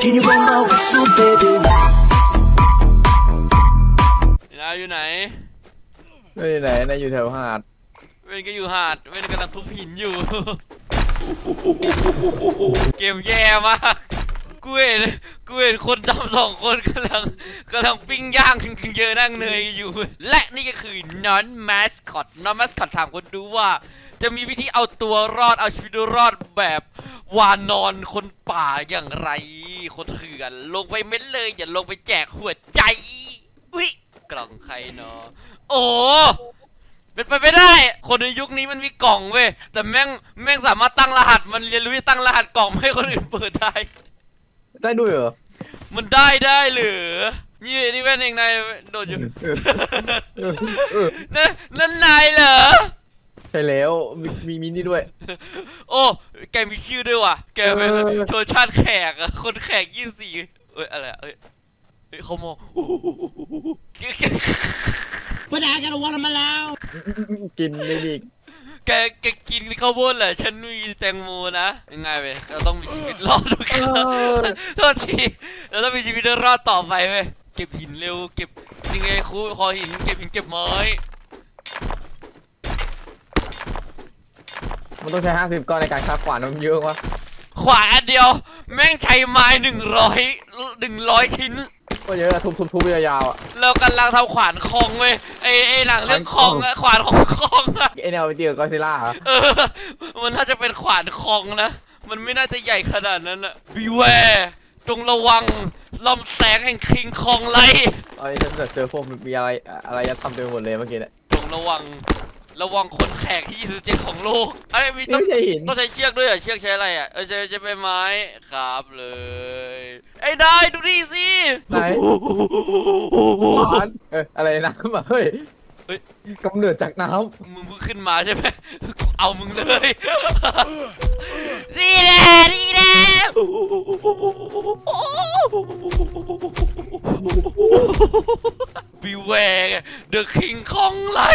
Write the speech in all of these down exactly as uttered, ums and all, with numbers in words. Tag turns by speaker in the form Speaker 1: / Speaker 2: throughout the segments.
Speaker 1: นายอยู่ไหน
Speaker 2: ไม่ไหนนายอยู่แถวหาด
Speaker 1: เว้นก็อยู่หาดเว้นกำลังทุบหินอยู่เกมแย่มากกูเห็นกูเห็นคนดำสองคนกำลังกำลังปิ้งย่างเยอะนั่งเนยอยู่และนี่ก็คือน้องแมสคอตน้องแมสคอตถามคนดูว่าจะมีวิธีเอาตัวรอดเอาชีวิตรอดแบบวานอนคนป่าอย่างไรคนเถื่อนลงไปเม็ดเลยอย่าลงไปแจกหัวใจอุ้ยกล่องใครเนาะโอ้เป็นไปไม่ได้คนในยุคนี้มันมีกล่องเว้ยแต่แม่งแม่งสามารถตั้งรหัสมันเรียนรู้ที่ตั้งรหัสกล่องให้คนอื่นเปิดได้
Speaker 2: ได้ด้วยเหรอ
Speaker 1: มันได้ได้เหรือนี่นี่แว่นเองนายโดดอยู่นั่นนั่นนายเหรอ
Speaker 2: ใช่แล้วมีมีมินี่ด้วย
Speaker 1: โอ้แกมีชื่อด้วยว่ะแกเป็นชนชาติแขกอะคนแขกยี่สิบสี่เอ้ยอะไรเอ้ยเฮ้ยเขามอง
Speaker 3: ปนายกันวันมาแล้ว
Speaker 2: กินไม่ดี
Speaker 1: แกแกกินข้าวโพดเหรอฉันมีแตงโมนะยังไงเว้ยเราต้องมีชีวิตรอดด้วยกันโทษทีเราต้องมีชีวิตรอดต่อไปเว้ยเก็บหินเร็วเก็บยังไงครูคอหินเก็บหินเก็บไม้
Speaker 2: มันต้องใช้ห้าสิบก้อนในการคราฟขวานมันเยอะวะ
Speaker 1: ขวานอันเดียวแม่งใช้ไม้หนึ่งร้อยหนึ่งร้อยชิ้น
Speaker 2: ก็เยอะทุบทุบทุบยาวๆอ่ะ
Speaker 1: เรากำลังทำขวานคองเว้ยไอไอหนังเรื่องคองอะขวานของคองอะ
Speaker 2: ไอแนวไปเจอก็ซิล่าเหรอ
Speaker 1: เออมันน่าจะเป็นขวานคองนะมันไม่น่าจะใหญ่ขนาดนั้นอะบีแวร์จงระวังลำแสงแห่งคิงคองไล
Speaker 2: ตอนนี้ฉันเจอพวกมีอะไรอะไรจะทำเต็มหมดเลยเมื่อกี้เนี่ย
Speaker 1: จงระวังระวังคนแขกที่ยี่สิบเจ็ดของโลกไอ้มีต้องต้องใช้เชือกด้วยเหรอเชือกใช้อะไรอ่ะเออจะจะเป็นไม้ครับเลยไอ้ได้ดูดิสิ
Speaker 2: ไหนเอออะไรน้ำอ่ะเฮ้ยเฮ้ยกำเนิดจากน้
Speaker 1: ำมึงเพิ่งขึ้นมาใช่ไหมเอามึงเลยนี่แหละนี่แหละบิวแวร์เดอะคิงคองไล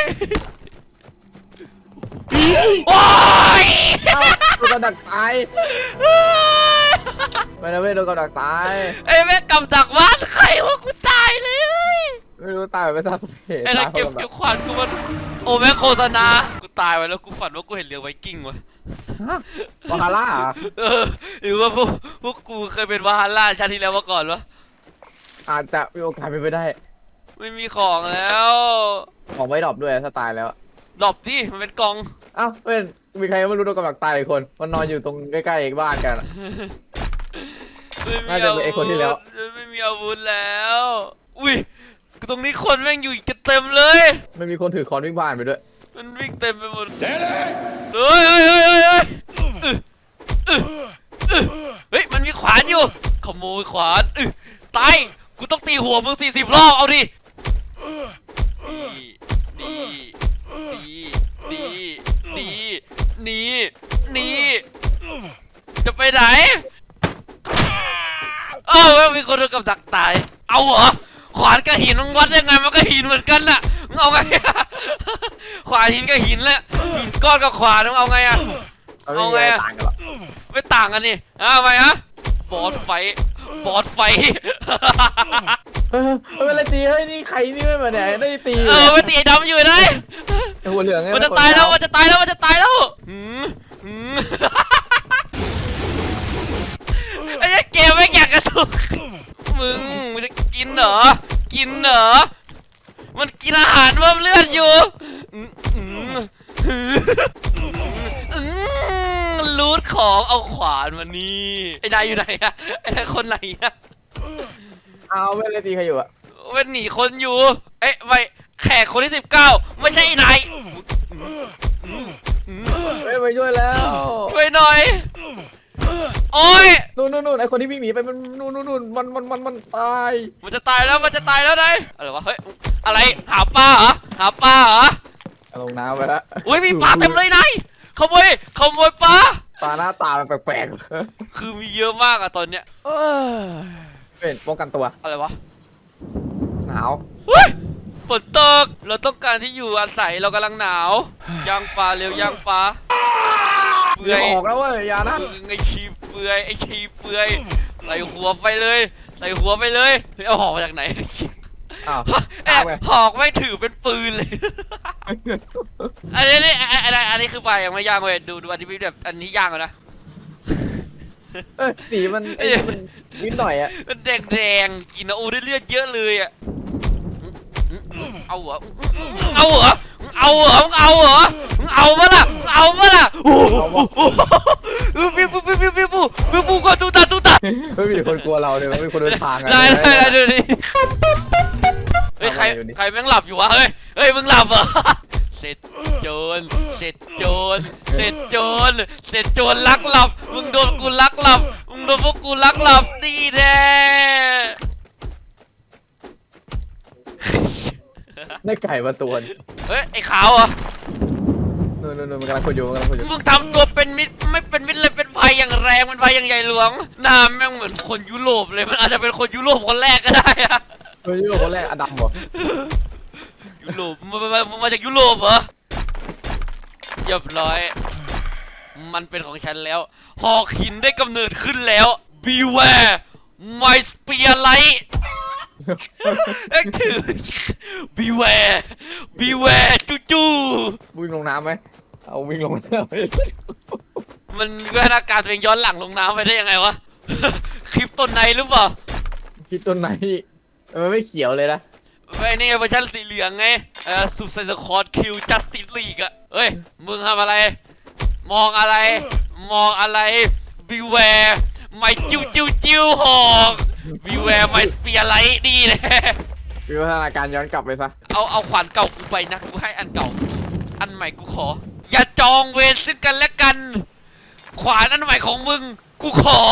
Speaker 1: โอ้ย
Speaker 2: โดนกระดักตายไม่นะเว้ยโดนกระดักตาย
Speaker 1: ไอ้แม่กำจักบ้านใครวะกูตายเลย
Speaker 2: ไม่รู้ตายไปซะเหตุ
Speaker 1: ไอ้ถ้าเก็บเก็บขวานกูมันโอ้แม่โฆษณากูตายไปแล้วกูฝันว่ากูเห็นเรือไวกิ้งวะ
Speaker 2: วาฮาร่า
Speaker 1: เออหรือว่าพวกพวกกูเคยเป็นวาฮาร่าชาติที่แล้วมาก่อนวะ
Speaker 2: อาจจะมีโอกาสเป็นไปได้
Speaker 1: ไม่มีของแล้ว
Speaker 2: ของไม่ดรอปด้วยถ้าตายแล้ว
Speaker 1: ดรอปดิมันเป็นกอง
Speaker 2: อ้าวเป็นมีใครไม่รู้โดนกำลังตายอีกคนมันนอนอยู่ตรงใกล้ๆบ้านกันน่าจะเป็นไอ้คนที่แล้ว
Speaker 1: ไม่มีอาวุธแล้วอุ้ยตรงนี้คนแม่งอยู่กันเต็มเลย
Speaker 2: ไม่มีคนถือคอนวิ่งผ่านไปด้วย
Speaker 1: มันวิ่งเต็มไปหมดเฮ้ยเฮ้ยเฮ้ยเฮ้ยเฮ้ยมันมีขวานอยู่ขโมยขวานตายกูต้องตีหัวมึงสี่สิบรอบเอาดิดีดีดีดีดีจะไปไหนเอ้ามีคนโดนกับดักตายเอาเหรอขวานกับหินมันวัดยังไงมันก็หินเหมือนกันน่ะมึงเอาไงขวานหินกับหินแหละหินก้อนกับขวานมึงเอาไงอะเอาไงอะไม่ต่างกันนี่เอาไงฮะบอสไฟบอสไฟ
Speaker 2: เอออะไรตีเฮ้ยนี่ใครนี่ไม่มาไหนได้ตี
Speaker 1: เออไม่ตีไอ้ดำอยู่ไหน
Speaker 2: หัวเหลือง
Speaker 1: มันจะตายแล้วมันจะตายแล้วมันจะตายแล้วไอ้เกมไม่อยากกระตุกมึงมึงจะกินเหรอกินเหรอมันกินอาหารเพิ่มเลือดอยู่รูทของเอาขวานมานี่ไอ้นายอยู่ไหนอะไอ้นายคนไหนอะ
Speaker 2: เอาไม่เลยตีใครอยู่อะ
Speaker 1: เว้นหนีคนอยู่เอ๊ะไปแขกคนที่สิบเก้าไม่ใช่ไอ้นาย
Speaker 2: ไม่ไปช่วยแล้ว
Speaker 1: ช่วยหน่อยโอ้ย
Speaker 2: นู่นนู่นนู่นไอคนที่วิ่งหนีไปมันนู่นนู่นนู่นมันมันมันมันตาย
Speaker 1: มันจะตายแล้วมันจะตายแล้วนายอะไรวะเฮ้ยอะไรหาปลาเหรอหาปลาเหรอ
Speaker 2: ลงน้ำไปแล้ว
Speaker 1: อุ้ยมีปลาเต็มเลยนายขโมยขโมยปลา
Speaker 2: ปลาหน้าตาแปลก
Speaker 1: ๆคือมีเยอะมากอะตอนเนี้ย
Speaker 2: เป็นป้องกันตัว
Speaker 1: อะไรวะ
Speaker 2: หนาว
Speaker 1: ฝนตกเราต้องการที่อยู่อาศัยเรากำลังหนาวย่างปลาเร็วย่างปลา
Speaker 2: เปื่อยออกแล้วเว้ยอย่านะ
Speaker 1: ไงชีเปื่ฟือยไอ้ขี้เฟือยใส่หัวไปเลยใส่หัวไปเลยเฮ้ยเอาหอกมาจากไหน
Speaker 2: อ้าว
Speaker 1: แอบหอกไม่ถือเป็นปืนเลย อันนี้นี่อันนี้อันนี้คือไฟยังไม่ย่างเว้ยดูดูอันนี้แบบอันนี้ย่างแล้วนะ
Speaker 2: เออสีมันไอ้นี่มันนิดหน่อยอะ
Speaker 1: มันแดงแดงๆกินแล้วโอ้ได้เลือดเยอะเลยอ่ะเอาเหรอเอาเหรอเอาเหรอเอาเหรอเอามาล่ะเอามาล่ะโอ้โหปิ๊บปิ๊บปิ๊บปิ๊บปิ๊บปิ๊บปิ๊บก็ตุ๊ตาตุ๊ตา
Speaker 2: ไม่มีคนกลัวเราเลยไม่มีคนเดินทางอะ
Speaker 1: ได้ได้ได้ดูดิเฮ้ยใครใครแม่งหลับอยู่วะเฮ้ยเฮ้ยมึงหลับเหรอเสร็จโจรเสร็จโจรเสร็จโจรเสร็จโจรลักหลับมึงโดนกูลักหลับมึงโดนพวกกูลักหลับดีแน่
Speaker 2: ได้ไก่มาตัวนึง
Speaker 1: เฮ้ยไอ้ขาวเหรอ
Speaker 2: นู่นนู่นนู่นมันกำลังคุยอยู่มันกำลังคุยอยู่
Speaker 1: มึงทำตัวเป็นมิตรไม่เป็นมิตรเลยเป็นไฟอย่างแรงเป็นไฟอย่างใหญ่หลวงหน้าแม่งเหมือนคนยุโรปเลยมันอาจจะเป็นคนยุโรปคนแรกก็ได้อะ
Speaker 2: เฮ้ยนี่คนแรกอดัมเหรอ
Speaker 1: ยุโรปมึงมามึงมาจากยุโรปเหรอเรียบร้อย มันเป็นของฉันแล้วหอกหินได้กำเนิดขึ้นแล้ว Beware my spear light เอ็กถือ Beware Beware จูจู
Speaker 2: วิ่งลงน้ำไหมเอาวิ่งลงน้ำไป
Speaker 1: มันวิวัฒนาการตัวเองย้อนหลังลงน้ำไปได้ยังไงวะ คลิปต้นในหรือเปล่า
Speaker 2: คิดต้นไหนมันไม่เขียวเลยนะ
Speaker 1: ไอ้นี่เวอร์ชันสีเหลืองไงเออสุดไซส์คอร์ดคิวจัสติสลีกอะเฮ้ยมึงทำอะไร มองอะไร มองอะไร Beware ไม่จิ้วจิ้วจิ้วหอก Beware ไม่สเปียร์ไลท์ดีเลย
Speaker 2: วิวัฒนาการย้อนกลับไปซะ
Speaker 1: เอาเอาขวานเก่ากูไปนะกูให้อันเก่า อันใหม่กูขอ อย่าจองเวรซึ่งกันและกัน ขวานอันใหม่ของมึงกูขอ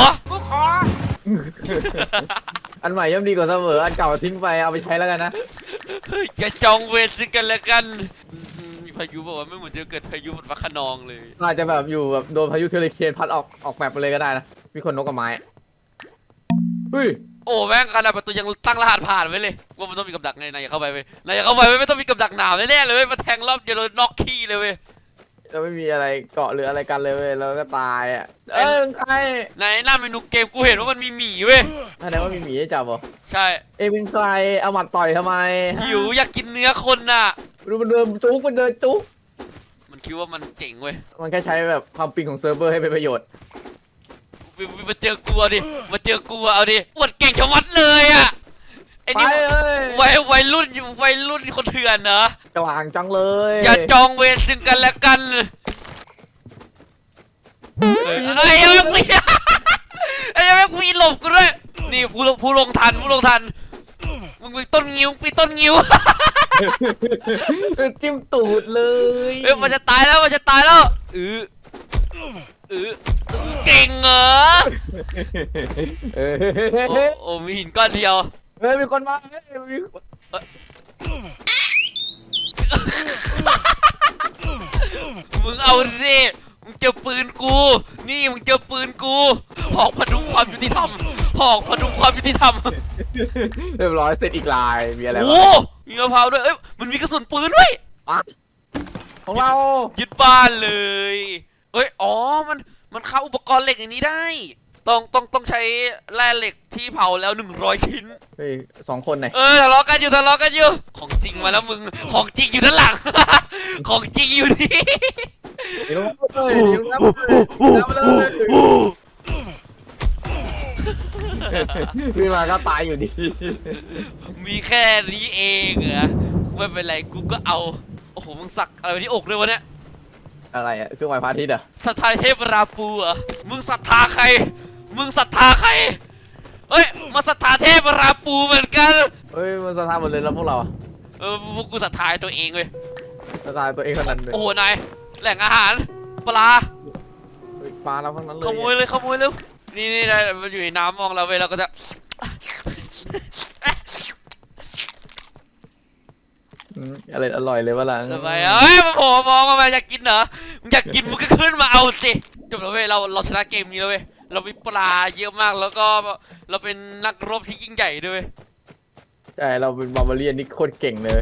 Speaker 2: อันใหม่ย่อมดีกว่าเสมออันเก่าทิ้งไปเอาไปใช้แล้วกันนะ
Speaker 1: เฮ้ยอย่าจองเวรซึ่งกันและกันอืมมีพายุบอกว่าไม่เหมือนจะเกิดพายุฝนฟ้าคะนองเลย
Speaker 2: อาจจะแบบอยู่แบบโดนพายุเทอร์เคนพัดออกออกแบบไปเลยก็ได้นะมีคนนกกับไม้เฮ้ย
Speaker 1: โอ้แม่งขนาดประตูยังตั้งรหัสผ่านไว้เลยว่ามันต้องมีกับดักไงนายอย่าเข้าไปเว้ยนายอย่าเข้าไปเว้ยไม่ต้องมีกับดักหนาวแน่ๆเลยเว้ยมาแทงรอบเดียวเลยน็อกขี้เลยเว้ย
Speaker 2: เราไม่มีอะไรเกาะหรืออะไรกันเลยเว้ยเราก็ตายอ่ะ
Speaker 1: เอ้
Speaker 2: เอ้
Speaker 1: ย
Speaker 2: ยเป็นใคร
Speaker 1: ในหน้าเมนูเกมกูเห็นว่ามันมีหมีเว้ย
Speaker 2: แสดงว่ามีหมีให้จับเหรอ
Speaker 1: ใช่
Speaker 2: เอ้ยเป็นใครเอาหมัดต่อยทำไม
Speaker 1: หิวอยากกินเนื้อคนน่ะ
Speaker 2: ดูมันเดินจุกมันเดินจุก
Speaker 1: มันคิดว่ามันเจ๋งเว้ย
Speaker 2: มันแค่ใช้แบบความปิงของเซิร์ฟเวอร์ให้เป็นประโยชน์
Speaker 1: วิวมาเจอกูเอาดิมาเจอกูเอาดิอวดเก่งชะมัดเลยอ่ะไอ้
Speaker 2: ไป
Speaker 1: นี่
Speaker 2: เอ้ย
Speaker 1: วัยวัยรุ่นวัยรุ่นคนเถื่อนเหรอก
Speaker 2: ลางจังเลย
Speaker 1: อย่าจองเวรซึ่งกันและกันเอ้ยไอ้ยังไม่มีไอ้ยังไม่มีหลบกูด้วยนี่ผู้ลงผู้ลงทันผู้ลงทันมึงมีต้นงิ้วปีต้นงิ้ว
Speaker 2: จิ้มตูดเลย
Speaker 1: เฮ้ยมันจะตายแล้วมันจะตายแล้วเออเออเก่งเหรอ
Speaker 2: เออ
Speaker 1: โอ้โอ้มีหินก้อนเดียว
Speaker 2: เฮ้ยมีคนมาเฮ้ยมี
Speaker 1: มึงเอาดิมึงเจอปืนกู นี่มึงเจอปืนกูหอกพดุงความยุติธรรมหอกพดุงความยุติธรรม
Speaker 2: เรียบร้อยเสร็จอีกลายมีอะไร
Speaker 1: โอ้
Speaker 2: บ้าง
Speaker 1: มีมะพร้าวด้วยเอ้ยมันมีกระสุนปืนด้วย
Speaker 2: อ่ะของเรา
Speaker 1: ยึดบ้านเลยเอ้ยอ๋อมันมันเข้าอุปกรณ์เหล็กอย่างนี้ได้ ต้องต้องต้องใช้แร่เหล็กที่เผาแล้วหนึ่งร้อยชิ้น
Speaker 2: เฮ้ยสองคนไหน
Speaker 1: เออทะเลาะกันอยู่ทะเลาะกันอยู่ของจริงมาแล้วมึงของจริงอยู่ด้านหลัง ของจริงอยู่นี่
Speaker 2: เดี๋ยวเลยเดี๋ยวนับเลยนับเลยขึ้นมาก็ตายอยู่ดี
Speaker 1: มีแค่นี้เองเหรอไม่เป็นไรกูก็เอาโอ้โหมึงสักอะไรไว้ที่อกเลยวะเนี่ย
Speaker 2: อะไรอ่ะเครื่องหมายพระอาทิตย์อ่ะ
Speaker 1: ศรัทธาเทพราปูเหรอมึงศรัทธาใครมึงศรัทธาใครเฮ้ยมาศรัทธาเทพราปูเหมือนกัน
Speaker 2: เฮ้ยมันสถานหมดเลยแล้วพวกเราอะ
Speaker 1: เออพวกกูศรัทธาตัวเองเว้ย
Speaker 2: สถานตัวเองเท่านั้นเลย
Speaker 1: โอ้โหนายแหล่งอาหารปลา
Speaker 2: เฮ้ยปลาเราทั้งนั้นเลย
Speaker 1: ขโมยเลยขโมยเร็วนี่นี่ได้มันอยู่ในน้ำมองเราเว้ยเราก็จะ
Speaker 2: อืมอะไรอร่อยเลยวะล่ะ
Speaker 1: ทำไมเอ้ยมาโผล่มองมาอยากกินเหรอมึงอยากกินมึงก็ขึ้นมาเอาสิจบแล้วเว้ยเราเราชนะเกมนี้แล้วเว้ยเรามีปลาเยอะมากแล้วก็เราเป็นนักรบที่ยิ่งใหญ่ด้วยเวย
Speaker 2: ใช่เราเป็นบาร์บาเรียนนี่โคตรเก่งเลย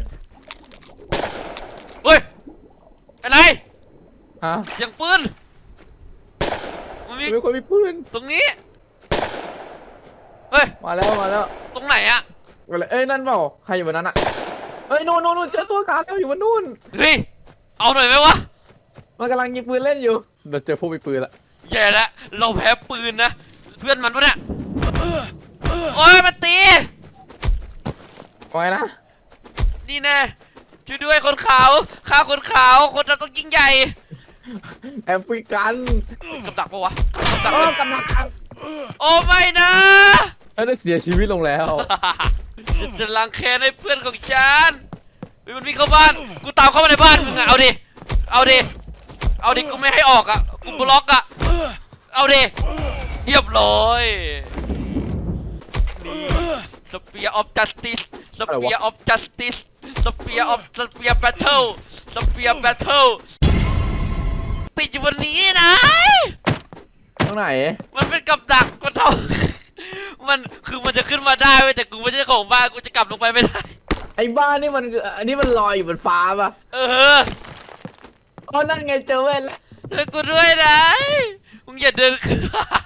Speaker 1: เฮ้ยอะไร
Speaker 2: ฮะ
Speaker 1: เสียงปืนมมันมี
Speaker 2: มีคนมีปืน
Speaker 1: ตรงนี้ เฮ้ย
Speaker 2: มาแล้วมาแล้ว
Speaker 1: ตรงไหนอะ
Speaker 2: มาเลยเอ้ยนั่นเปล่าใครอยู่บนนั้นอะเอ้ยนู่นนู่นนู่นเจอตัวขาแล้วอยู่บนนู่น
Speaker 1: เฮ้ย เอาหน่อยไหมวะ
Speaker 2: มันกำลังยิงปืนเล่นอยู่เราเจอพวกมีปืนละ
Speaker 1: แย่แล้วเราแพ้ปืนนะ เพื่อนมันปะเนี่ย โอ้ยมาตี
Speaker 2: ว่าไงนะ
Speaker 1: นี่แน่ช่วยด้วยคนขาวฆ่าคนขาว คนเราต้องยิ่งใหญ่
Speaker 2: แอฟริกัน
Speaker 1: กับดักปะวะกับดัก
Speaker 2: เอ
Speaker 1: เล
Speaker 2: อย กำลัง
Speaker 1: โอ้ไม่นะ
Speaker 2: เฮ้ยได้เสียชีวิตลงแล้ว
Speaker 1: ฉันจะล้างแค้นให้เพื่อนของฉันเฮ้ยมันวิ่งเข้าบ้าน กูตามเข้ามาในบ้านมึงอะเอาดิ เอาดิ เอาดิ กูไม่ให้ออกอะกูบล็อกอะเอาดิเรียบร้อย นี่สเปียร์ออฟจัสติสสเปียร์ออฟจัสติสสเปียร์ออฟสเปียร์แบทเทิลสเปียร์แบทเทิลติดอยู่บนนี้นะ
Speaker 2: ตรงไหน
Speaker 1: มันเป็นกับดักมันเท่า มันคือมันจะขึ้นมาได้เว้ยแต่กูไม่ใช่เจ้าของบ้านกูจะกลับลงไปไม่ได้
Speaker 2: ไอ้บ้านนี่มันอันนี้มันลอยอยู่บนฟ้าปะ
Speaker 1: เออ
Speaker 2: อ๋อนั่นไงเจอเว้ยแล้ว
Speaker 1: ช่วยกูด้วยนะมึงอย่าเดินขึ้น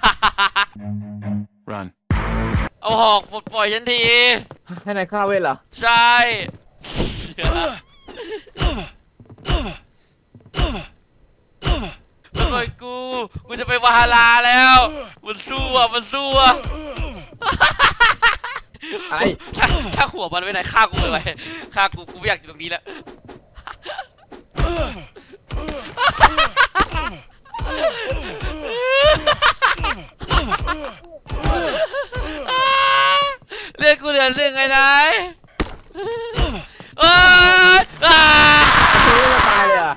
Speaker 4: Run.
Speaker 1: เอาหอกปลดปล่อยฉันที
Speaker 2: ให้นายฆ่าเว้ยเหรอ
Speaker 1: ใช่ปลดปล่อยกูกูจะไปวาฮาลาแล้วมันสู้อ่ะมันสู้อ่ะ
Speaker 2: อะไร
Speaker 1: ช่างช่างหัวมันไว้ไหนฆ่ากูเลยฆ่ากูกูไม่อยากอยู่ตรงนี้แล้ว เรียกกูเหลือหนึ่งไงนายเอ้ยอ่า
Speaker 2: ชีวิตจะตายเลยอ่ะ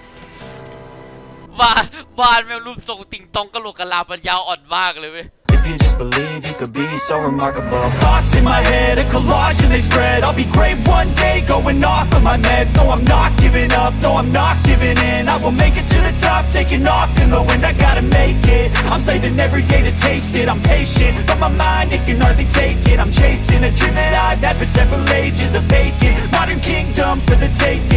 Speaker 1: บ้านบ้านแม่งรูปทรงติงตองกะโหลกกะลาปัญญาอ่อนมากเลยเว้ย
Speaker 4: If you just believe, you could be so remarkable. Thoughts in my head, a collage and they spread. I'll be great one day, going off of my meds. No, I'm not giving up, no, I'm not giving in. I will make it to the top, taking off in the wind. I gotta make it, I'm saving every day to taste it. I'm patient, but my mind, it can hardly take it. I'm chasing a dream that I've had for several ages. A vacant, modern kingdom for the taking.